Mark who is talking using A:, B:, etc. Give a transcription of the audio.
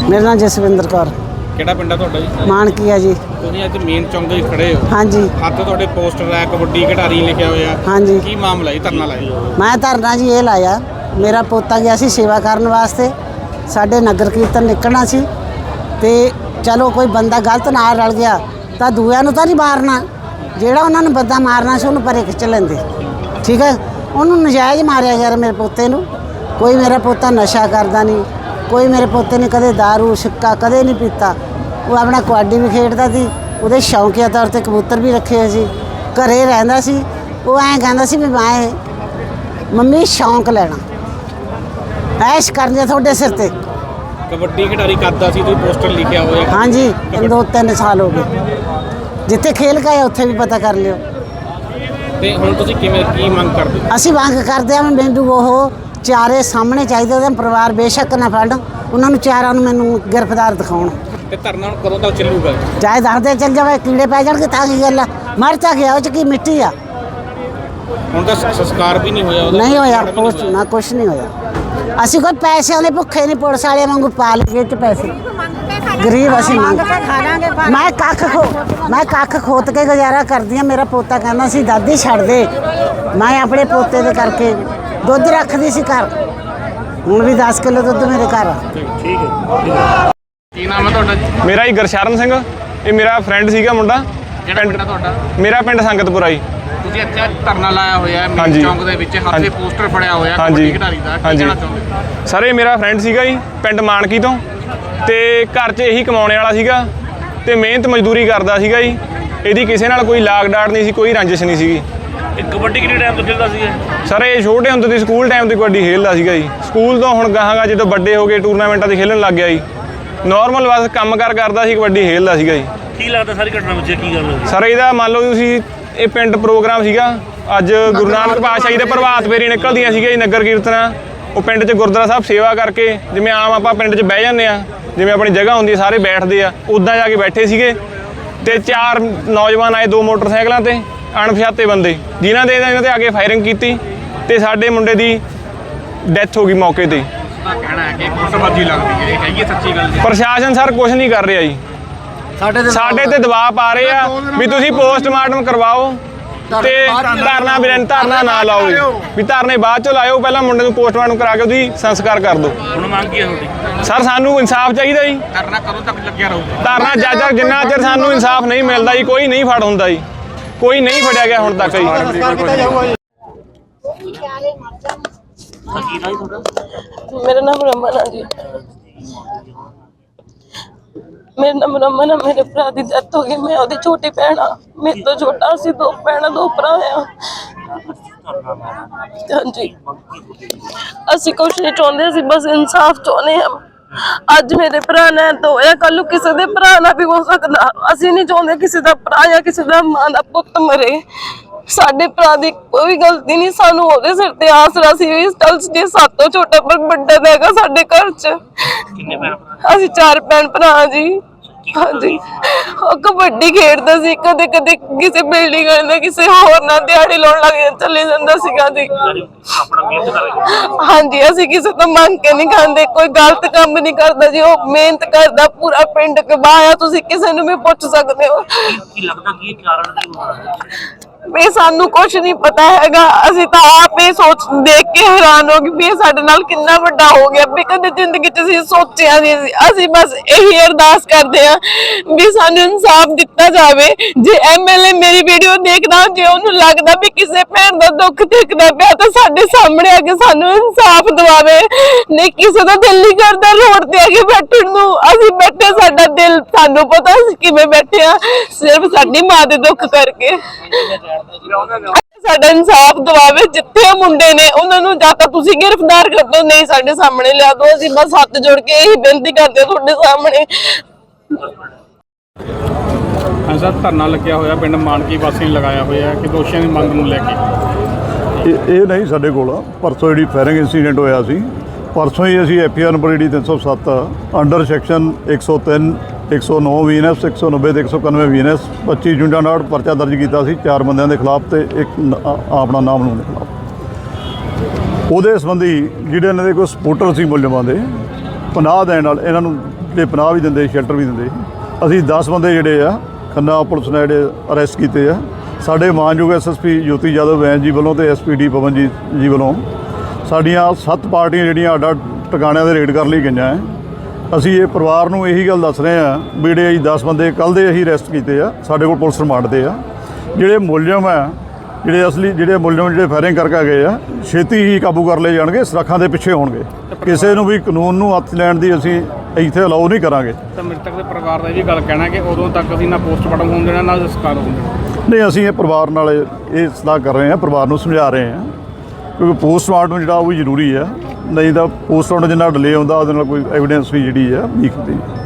A: मेरा नाम जसविंदर कौर।
B: ਕਿਹੜਾ ਪਿੰਡ ਆ ਤੁਹਾਡਾ ਜੀ?
A: मानकी है जी।
B: ਤੁਸੀਂ ਅੱਜ ਮੇਨ ਚੌਂਕ ਦੇ ਖੜੇ ਹੋ।
A: हाँ जी।
B: ਹੱਥ ਤੁਹਾਡੇ ਪੋਸਟਰ ਹੈ, ਕਬੱਡੀ ਖਿਡਾਰੀ ਲਿਖਿਆ ਹੋਇਆ।
A: हाँ जी।
B: ਕੀ ਮਾਮਲਾ ਜੀ ਧਰਨਾ ਲਾਇਆ?
A: मैं धरना जी ये लाया, मेरा पोता गया सी सेवा करने वास्ते, साढ़े नगर कीर्तन निकलना सी ते चलो कोई बंदा गलत ना रल गया तो दूया नूं तां नहीं मारना, ਜਿਹੜਾ ਉਹਨਾਂ ਨੇ ਬੰਦਾ ਮਾਰਨਾ ਸੀ ਉਹਨੂੰ ਪਰੇ ਖਿੱਚ ਲੈਂਦੇ। ਠੀਕ ਹੈ, ਉਹਨੂੰ ਨਜਾਇਜ਼ ਮਾਰਿਆ ਯਾਰ ਮੇਰੇ ਪੋਤੇ ਨੂੰ। ਕੋਈ ਮੇਰਾ ਪੋਤਾ ਨਸ਼ਾ ਕਰਦਾ ਨਹੀਂ, ਕੋਈ ਮੇਰੇ ਪੋਤੇ ਨੇ ਕਦੇ ਦਾਰੂ ਸਿੱਕਾ ਕਦੇ ਨਹੀਂ ਪੀਤਾ। ਉਹ ਆਪਣਾ ਕਬੱਡੀ ਵੀ ਖੇਡਦਾ ਸੀ, ਉਹਦੇ ਸ਼ੌਂਕੀਆ ਤੌਰ ਤੇ ਕਬੂਤਰ ਵੀ ਰੱਖੇ ਹੋਏ ਸੀ, ਘਰੇ ਰਹਿੰਦਾ ਸੀ। ਉਹ ਐਂ ਕਹਿੰਦਾ ਸੀ ਵੀ ਮੈਂ ਮੰਮੀ ਸ਼ੌਂਕ ਲੈਣਾ, ਐਸ਼ ਕਰਨੀ ਆ ਤੁਹਾਡੇ ਸਿਰ ਤੇ।
B: ਕਬੱਡੀ ਖਿਡਾਰੀ ਕਰਦਾ ਸੀ, ਤੁਸੀਂ ਪੋਸਟਰ ਲਿਖਿਆ ਹੋਇਆ।
A: हाँ जी, 2-3 ਸਾਲ ਹੋ ਗਏ। ਜਿੱਥੇ ਖੇਲ ਗਏ ਉੱਥੇ ਵੀ ਪਤਾ ਕਰ ਲਿਓ।
B: ਤੇ ਹੁਣ ਤੁਸੀਂ ਕਿਵੇਂ ਕੀ ਮੰਗ ਕਰਦੇ ਹੋ?
A: ਅਸੀਂ ਮੰਗ ਕਰਦੇ ਹਾਂ ਮੈਨੂੰ ਉਹ ਚਾਰੇ ਸਾਹਮਣੇ ਚਾਹੀਦੇ, ਉਹਦਾ ਪਰਿਵਾਰ ਬੇਸ਼ੱਕ ਨਾ ਫੜਨ, ਉਹਨਾਂ ਨੂੰ ਚਾਰਾਂ ਨੂੰ ਮੈਨੂੰ ਗ੍ਰਿਫਤਾਰ ਦਿਖਾਉਣ।
B: ਤੇ ਧਰਨਾ ਹੁਣ ਕਦੋਂ ਤੱਕ ਚੱਲੂਗਾ?
A: ਚਾਹੇ ਦੱਸਦੇ ਚੱਲ ਜਾਵੇ, ਕੀੜੇ ਪੈ ਜਾਣਗੇ ਤਾਂ ਕੀ ਗੱਲ ਆ, ਮਰ ਤਾਂ ਗਿਆ, ਉਹ ਚ ਕੀ ਮਿੱਟੀ ਆ।
B: ਹੁਣ ਤਾਂ ਸੰਸਕਾਰ ਵੀ ਨਹੀਂ ਹੋਇਆ ਉਹਦਾ?
A: ਨਹੀਂ ਹੋਇਆ, ਕੁਛ ਨਾ ਕੁਛ ਨਹੀਂ ਹੋਇਆ। ਅਸੀਂ ਕੋਈ ਪੈਸੇ ਵਾਲੇ ਭੁੱਖੇ ਨਹੀਂ, ਪੁਲਿਸ ਵਾਲਿਆਂ ਵਾਂਗੂ ਪਾ ਲਈਏ ਚ ਪੈਸੇ, ਗਰੀਬ ਅਸੀਂ ਮੰਗ ਮੈਂ ਕੱਖ ਖੋਤ ਕੇ ਗੁਜ਼ਾਰਾ ਕਰਦੀ ਹਾਂ। ਮੇਰਾ ਪੋਤਾ ਕਹਿੰਦਾ ਸੀ ਦਾਦੀ ਛੱਡ ਦੇ, ਮੈਂ ਆਪਣੇ ਪੋਤੇ ਦੇ ਕਰਕੇ ਦੁੱਧ ਰੱਖਦੀ ਸੀ ਘਰ, ਹੁਣ ਵੀ 10 ਕਿਲੋ ਦੁੱਧ ਮੇਰੇ ਘਰ ਆ।
B: ਠੀਕ ਹੈ। ਕੀ ਨਾਮ ਹੈ ਤੁਹਾਡਾ ਜੀ?
C: ਮੇਰਾ ਹੀ ਗੁਰਸ਼ਰਨ ਸਿੰਘ, ਇਹ ਮੇਰਾ ਫਰੈਂਡ ਸੀਗਾ ਮੁੰਡਾ।
B: ਕਿਹੜਾ ਪਿੰਡ ਆ ਤੁਹਾਡਾ?
C: ਮੇਰਾ ਪਿੰਡ ਸੰਗਤਪੁਰਾ ਜੀ।
B: ਤੁਸੀਂ ਇੱਥੇ ਧਰਨਾ ਲਾਇਆ ਹੋਇਆ ਹੈ ਮੇਨ ਚੌਂਕ ਦੇ ਵਿੱਚ, ਹੱਥ 'ਤੇ ਪੋਸਟਰ ਫੜਿਆ ਹੋਇਆ ਕਬੱਡੀ ਖਿਡਾਰੀ ਦਾ, ਕੀ ਕਹਿਣਾ ਚਾਹੁੰਦੇ?
C: ਸਰ ਇਹ ਮੇਰਾ ਫਰੈਂਡ ਸੀਗਾ ਜੀ, ਪਿੰਡ ਮਾਨਕੀ ਤੋਂ, ਤੇ ਘਰ 'ਚ ਇਹੀ ਕਮਾਉਣੇ ਵਾਲਾ ਸੀਗਾ ਤੇ ਮਿਹਨਤ ਮਜ਼ਦੂਰੀ ਕਰਦਾ ਸੀਗਾ ਜੀ। ਇਹਦੀ ਕਿਸੇ ਨਾਲ ਕੋਈ ਲਾਗ ਡਾਟ ਨਹੀਂ ਸੀ, ਕੋਈ ਰੰਜਿਸ਼ ਨਹੀਂ ਸੀਗੀ।
B: ਇਹ ਕਬੱਡੀ ਕਿੰਨੇ ਟਾਈਮ ਤੋਂ ਖੇਡਦਾ ਸੀਗਾ?
C: ਸਰ ਇਹ ਛੋਟੇ ਹੁੰਦੇ ਦੀ ਸਕੂਲ ਟਾਈਮ ਤੋਂ ਕਬੱਡੀ ਖੇਡਦਾ ਸੀਗਾ ਜੀ। ਸਕੂਲ ਤੋਂ ਹੁਣ ਗਾਹਾਂਗਾ ਜਦੋਂ ਵੱਡੇ ਹੋ ਗਏ ਟੂਰਨਾਮੈਂਟਾਂ 'ਤੇ ਖੇਡਣ ਲੱਗ ਗਿਆ ਜੀ। ਨਾਰਮਲ ਬਸ ਕੰਮ ਕਾਰ ਕਰਦਾ ਸੀ, ਕਬੱਡੀ ਖੇਡਦਾ ਸੀਗਾ ਜੀ।
D: ਕੀ ਲੱਗਦਾ ਸਾਰੀ ਘਟਨਾ ਵਿੱਚ ਕੀ ਗੱਲ ਹੋਈ?
C: ਸਰ ਇਹਦਾ ਮੰਨ ਲਓ ਤੁਸੀਂ, ਇਹ ਪਿੰਡ ਪ੍ਰੋਗਰਾਮ ਸੀਗਾ ਅੱਜ, ਗੁਰੂ ਨਾਨਕ ਪਾਤਸ਼ਾਹ ਜੀ ਦੇ ਪ੍ਰਭਾਤ ਫੇਰੀ ਨਿਕਲਦੀਆਂ ਸੀਗੀਆਂ ਜੀ, ਨਗਰ ਕੀਰਤਨਾਂ। ਉਹ ਪਿੰਡ 'ਚ ਗੁਰਦੁਆਰਾ ਸਾਹਿਬ ਸੇਵਾ ਕਰਕੇ, ਜਿਵੇਂ ਆਮ ਆਪਾਂ ਪਿੰਡ 'ਚ ਬਹਿ ਜਾਂਦੇ ਆ, ਜਿਵੇਂ ਆਪਣੀ ਜਗ੍ਹਾ ਹੁੰਦੀ ਹੈ ਸਾਰੇ ਬੈਠਦੇ ਆ, ਉੱਦਾਂ ਜਾ ਕੇ ਬੈਠੇ ਸੀਗੇ ਤੇ 4 ਨੌਜਵਾਨ ਆਏ 2 ਮੋਟਰਸਾਈਕਲਾਂ ਤੇ, ਅਣਪਛਾਤੇ ਬੰਦੇ, ਜਿਨ੍ਹਾਂ ਦੇ ਇਹਨਾਂ ਤੇ ਆ ਕੇ ਫਾਇਰਿੰਗ ਕੀਤੀ ਤੇ ਸਾਡੇ ਮੁੰਡੇ ਦੀ ਡੈਥ ਹੋ ਗਈ ਮੌਕੇ ਤੇ।
B: ਕਹਿਣਾ ਹੈ ਕਿ ਗੁੱਟਬਾਜ਼ੀ ਲੱਗਦੀ ਹੈ, ਇਹ ਹੈਗੀ ਸੱਚੀ ਗੱਲ ਜੀ?
C: ਪ੍ਰਸ਼ਾਸਨ ਸਰ ਕੁਝ ਨਹੀਂ ਕਰ ਰਿਹਾ ਜੀ, ਸਾਡੇ ਤੇ ਦਬਾਅ ਪਾ ਰਹੇ ਆ ਵੀ ਤੁਸੀਂ ਪੋਸਟਮਾਰਟਮ ਕਰਵਾਓ ਤੇ ਧਰਨਾ ਨਾ ਲਾਓ ਵੀ, ਧਰਨੇ ਬਾਅਦ ਚੋਂ ਲਾਇਓ, ਪਹਿਲਾਂ ਮੁੰਡੇ ਨੂੰ ਪੋਸਟਮਾਰਟਮ ਕਰਾ ਕੇ ਉਹਦੀ ਸੰਸਕਾਰ ਕਰ ਦਿਓ।
D: ਹੁਣ ਮੰਗ ਕੀ ਹੈ ਤੁਹਾਡੀ?
C: ਸਰ ਸਾਨੂੰ ਇਨਸਾਫ ਚਾਹੀਦਾ ਜੀ।
B: ਧਰਨਾ ਕਦੋਂ ਤੱਕ ਲੱਗਿਆ ਰਹੂਗਾ?
C: ਧਰਨਾ ਜੱਜ ਜਿੰਨਾ ਚਿਰ ਸਾਨੂੰ ਇਨਸਾਫ ਨਹੀਂ ਮਿਲਦਾ ਜੀ, ਕੋਈ ਨਹੀਂ ਫੜ ਹੁੰਦਾ ਜੀ, ਕੋਈ ਨਹੀਂ ਫੜਿਆ ਗਿਆ ਹੁਣ ਤੱਕ ਜੀ।
E: मेरा नाम रमन है जी। मेरा नाम रमन है। मेरे भरा की डेथ हो गई, मैं ਉਹਦੀ छोटी भैन हाँ, मेरे तो छोटा सी 2 भैन 2 भरा हैं। हाँ जी, ਅਸੀਂ ਕੁਛ ਨਹੀਂ ਚਾਹੁੰਦੇ, ਅਸੀਂ ਬਸ ਇਨਸਾਫ ਚਾਹੁੰਦੇ ਹਾਂ। ਅੱਜ ਮੇਰੇ ਭਰਾ ਨੇ ਤਾਂ ਹੋਇਆ, ਕੱਲ ਨੂੰ ਕਿਸੇ ਦੇ ਭਰਾ ਨਾਲ ਵੀ ਹੋ ਸਕਦਾ। ਅਸੀਂ ਨਹੀਂ ਚਾਹੁੰਦੇ ਕਿਸੇ ਦਾ ਭਰਾ ਜਾਂ ਕਿਸੇ ਦਾ ਮਾਂ ਦਾ ਪੁੱਤ ਮਰੇ। ਸਾਡੇ ਭਰਾ ਦੀ ਕੋਈ ਗਲਤੀ ਨਹੀਂ, ਸਾਨੂੰ ਉਹਦੇ ਸਿਰ ਤੇ ਆਸਰਾ ਸੀ। ਇਸ ਗੱਲ ਜੇ ਸਾਤੋਂ ਛੋਟਾ ਪਰ ਵੱਡਾ ਹੈਗਾ ਸਾਡੇ ਘਰ 'ਚ।
D: ਕਿੰਨੇ ਭੈਣ?
E: ਅਸੀਂ 4 ਭੈਣ ਭਰਾ ਜੀ। ਹਾਂਜੀ, ਉਹ ਕਬੱਡੀ ਖੇਡਦਾ ਸੀ, ਕਦੇ ਕਦੇ ਕਿਸੇ ਬਿਲਡਿੰਗ ਨਾਲ ਕਿਸੇ ਹੋਰ ਨਾਲ ਦਿਹਾੜੀ ਲਾਉਣ ਲੱਗ ਚਲੇ ਜਾਂਦਾ ਸੀਗਾ ਜੀ।
D: ਆਪਣਾ ਮਿਹਨਤ ਕਰਕੇ?
E: ਹਾਂਜੀ, ਅਸੀਂ ਕਿਸੇ ਤੋਂ ਮੰਗ ਕੇ ਨਹੀਂ ਖਾਂਦੇ, ਕੋਈ ਗਲਤ ਕੰਮ ਨਹੀਂ ਕਰਦਾ ਜੀ। ਉਹ ਮਿਹਨਤ ਕਰਦਾ, ਪੂਰਾ ਪਿੰਡ ਕਬਾਇਆ, ਤੁਸੀਂ ਕਿਸੇ ਨੂੰ ਵੀ ਪੁੱਛ ਸਕਦੇ ਹੋ।
D: ਕੀ ਲੱਗਦਾ ਕੀ ਕਾਰਨ ਕੀ ਹੋਣਾ?
E: ਵੀ ਸਾਨੂੰ ਕੁਝ ਨਹੀਂ ਪਤਾ ਹੈਗਾ, ਅਸੀਂ ਤਾਂ ਆਪ ਇਹ ਸੋਚ ਦੇਖ ਕੇ ਹੈਰਾਨ ਹੋ ਗਏ ਵੀ ਇਹ ਸਾਡੇ ਨਾਲ ਕਿੰਨਾ ਵੱਡਾ ਹੋ ਗਿਆ ਵੀ ਕਦੇ ਜ਼ਿੰਦਗੀ 'ਚ ਅਸੀਂ ਸੋਚਿਆ ਨਹੀਂ ਸੀ। ਅਸੀਂ ਬਸ ਇਹੀ ਅਰਦਾਸ ਕਰਦੇ ਹਾਂ ਵੀ ਸਾਨੂੰ ਇਨਸਾਫ ਦਿੱਤਾ ਜਾਵੇ। ਜੇ ਐਮਐਲਏ ਮੇਰੀ ਵੀਡੀਓ ਦੇਖਦਾ, ਜੇ ਉਹਨੂੰ ਲੱਗਦਾ ਵੀ ਕਿਸੇ ਭੈਣ ਦਾ ਦੁੱਖ ਦੇਖਦਾ ਪਿਆ ਤਾਂ ਸਾਡੇ ਸਾਹਮਣੇ ਆ ਕੇ ਸਾਨੂੰ ਇਨਸਾਫ ਦਿਵਾਵੇ। ਨਹੀਂ ਕਿਸੇ ਦਾ ਦਿਲ ਨਹੀਂ ਕਰਦਾ ਰੋਡ ਤੇ ਆ ਕੇ ਬੈਠਣ ਨੂੰ, ਅਸੀਂ ਬੈਠੇ, ਸਾਡਾ ਦਿਲ, ਸਾਨੂੰ ਪਤਾ ਅਸੀਂ ਕਿਵੇਂ ਬੈਠੇ ਆ, ਸਿਰਫ ਸਾਡੀ ਮਾਂ ਦੇ ਦੁੱਖ ਕਰਕੇ। ਸਾਡਾ ਇਨਸਾਫ ਦਿਵਾਵੇ, ਜਿੱਥੇ ਉਹ ਮੁੰਡੇ ਨੇ ਉਹਨਾਂ ਨੂੰ ਜਾਂ ਤਾਂ ਤੁਸੀਂ ਗ੍ਰਿਫਤਾਰ ਕਰ ਦਿਓ, ਨਹੀਂ ਸਾਡੇ ਸਾਹਮਣੇ ਲਿਆ ਦਿਓ। ਅਸੀਂ ਬਸ ਹੱਥ ਜੋੜ ਕੇ ਇਹੀ ਬੇਨਤੀ ਕਰਦੇ ਹਾਂ ਤੁਹਾਡੇ ਸਾਹਮਣੇ।
B: ਹਾਂ ਸਰ, ਧਰਨਾ ਲੱਗਿਆ ਹੋਇਆ ਪਿੰਡ ਮਾਨਕੀ ਵਾਸੀ ਨੇ ਲਗਾਇਆ ਹੋਇਆ ਕਿ ਦੋਸ਼ੀਆਂ ਦੀ ਮੰਗ ਨੂੰ ਲੈ ਕੇ।
F: ਇਹ ਨਹੀਂ ਸਾਡੇ ਕੋਲ, ਪਰਸੋਂ ਜਿਹੜੀ ਫਾਇਰਿੰਗ ਇੰਸੀਡੈਂਟ ਹੋਇਆ ਸੀ, ਪਰਸੋਂ ਹੀ ਅਸੀਂ ਐਫਆਈਆਰ ਨੰਬਰ ਜਿਹੜੀ 307 ਅੰਡਰ ਸੈਕਸ਼ਨ 103 109 ਵੀਐਨਐਸ 190 ਤੇ 191 ਵੀਐਨਐਸ 25 ਜੁੰਡਾ ਨਾਲ ਪਰਚਾ ਦਰਜ ਕੀਤਾ ਸੀ 4 ਬੰਦਿਆਂ ਦੇ ਖਿਲਾਫ ਤੇ ਇੱਕ ਆਪਣਾ ਨਾਮ ਨੂੰ ਦੇ ਖਿਲਾਫ। ਉਹਦੇ ਸੰਬੰਧੀ ਜਿਹੜੇ ਇਹਨਾਂ ਦੇ ਕੋਈ ਸਪੋਰਟਰ ਸੀ ਮੁਲਜ਼ਮਾਂ ਦੇ, ਪਨਾਹ ਦੇਣ ਨਾਲ ਇਹਨਾਂ ਨੂੰ ਤੇ ਪਨਾਹ ਵੀ ਦਿੰਦੇ, ਸ਼ੈਲਟਰ ਵੀ ਦਿੰਦੇ। ਅਸੀਂ 10 ਬੰਦੇ ਜਿਹੜੇ ਆ ਖੰਨਾ ਪੁਲਿਸ ਨੇ ਜਿਹੜੇ ਅਰੈਸਟ ਕੀਤੇ ਆ। ਸਾਡੇ ਮਾਨਯੋਗ ਐਸਐਸਪੀ ਜੋਤੀ ਯਾਦਵ ਵੈਨ ਜੀ ਵੱਲੋਂ ਤੇ ਐਸਪੀਡੀ ਪਵਨਜੀਤ ਜੀ ਵੱਲੋਂ ਸਾਡੀਆਂ 7 ਪਾਰਟੀਆਂ ਜਿਹੜੀਆਂ ਅੱਡ ਟਿਕਾਣਿਆਂ ਦੇ ਰੇਡ ਕਰਨ ਲਈ ਗਈਆਂ ਹੈ। ਅਸੀਂ ਇਹ ਪਰਿਵਾਰ ਨੂੰ ਇਹੀ ਗੱਲ ਦੱਸ ਰਹੇ ਹਾਂ ਵੀ ਜਿਹੜੇ ਅਸੀਂ 10 ਬੰਦੇ ਕੱਲ੍ਹ ਦੇ ਅਸੀਂ ਅਰੈਸਟ ਕੀਤੇ ਆ, ਸਾਡੇ ਕੋਲ ਪੁਲਿਸ ਰਿਮਾਂਡ ਤੇ ਆ। ਜਿਹੜੇ ਮੁਲਜ਼ਮ ਆ, ਜਿਹੜੇ ਅਸਲੀ ਜਿਹੜੇ ਮੁਲਜ਼ਮ ਜਿਹੜੇ ਫਾਇਰਿੰਗ ਕਰਕੇ ਗਏ ਆ, ਛੇਤੀ ਹੀ ਕਾਬੂ ਕਰ ਲਏ ਜਾਣਗੇ, ਸੁਰੱਖਾਂ ਦੇ ਪਿੱਛੇ ਹੋਣਗੇ। ਕਿਸੇ ਨੂੰ ਵੀ ਕਾਨੂੰਨ ਨੂੰ ਹੱਥ ਲੈਣ ਦੀ ਅਸੀਂ ਇੱਥੇ ਅਲਾਉ ਨਹੀਂ ਕਰਾਂਗੇ।
B: ਤਾਂ ਮ੍ਰਿਤਕ ਦੇ ਪਰਿਵਾਰ ਦਾ ਇਹ ਵੀ ਗੱਲ ਕਹਿਣਾ ਕਿ ਉਦੋਂ ਤੱਕ ਅਸੀਂ ਨਾ ਪੋਸਟਮਾਰਟਮ ਹੋਣ ਦੇਣਾ, ਨਾ ਸੰਸਕਾਰ ਹੋਣ ਦੇਣਾ।
F: ਨਹੀਂ, ਅਸੀਂ ਇਹ ਪਰਿਵਾਰ ਨਾਲ ਇਹ ਸਲਾਹ ਕਰ ਰਹੇ ਹਾਂ, ਪਰਿਵਾਰ ਨੂੰ ਸਮਝਾ ਰਹੇ ਹਾਂ, ਕਿਉਂਕਿ ਪੋਸਟਮਾਰਟਮ ਜਿਹੜਾ ਉਹ ਵੀ ਜ਼ਰੂਰੀ ਹੈ। ਨਹੀਂ ਤਾਂ ਪੋਸਟਮਾਰਟਮ ਜਿੰਨਾ ਡਿਲੇ ਹੁੰਦਾ ਉਹਦੇ ਨਾਲ ਕੋਈ ਐਵੀਡੈਂਸ ਵੀ ਜਿਹੜੀ ਹੈ ਵੀਕ ਹੁੰਦੀ ਹੈ।